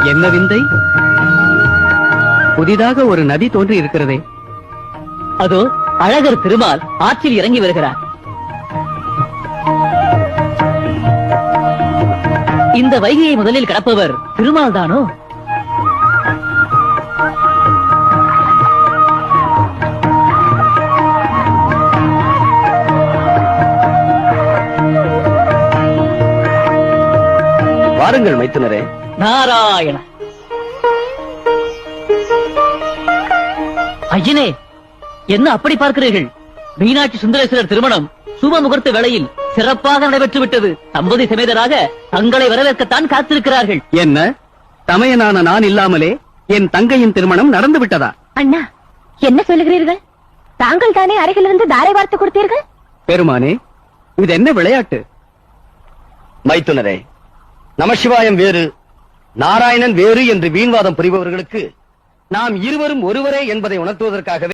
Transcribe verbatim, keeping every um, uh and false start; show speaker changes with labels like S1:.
S1: என்ன விந்தை! புதிதாக ஒரு நதி தோன்றி இருக்கிறதே.
S2: அதோ அழகர் திருமால் ஆற்றில் இறங்கி வருகிறார். இந்த வைகையை முதலில் கடப்பவர் திருமால் தானோ?
S3: வாருங்கள் மைத்துனரே.
S2: நாராயண ஐயனே, என்ன அப்படி பார்க்கிறீர்கள்? மீனாட்சி சுந்தரேஸ்வரர் திருமணம் சுப முகூர்த்த வேளையில் சிறப்பாக நடைபெற்று விட்டது. தம்பதி சமேதராக தங்களை வரவேற்கத்தான் காத்திருக்கிறார்கள்.
S1: என்ன, தமையனான நான் இல்லாமலே என் தங்கையின் திருமணம் நடந்து விட்டதா?
S4: அண்ணா, என்ன சொல்லுகிறீர்கள்? தாங்கள் தானே அருகிலிருந்து தாரை வார்த்து கொடுத்தீர்கள்.
S1: பெருமானே, இது என்ன விளையாட்டு?
S3: மைத்துனரே, நமசிவாயம் வேறு நாராயணன் வேறு என்று வீண்வாதம் புரிபவர்களுக்கு நாம் இருவரும் ஒருவரே என்பதை உணர்த்துவதற்காகவே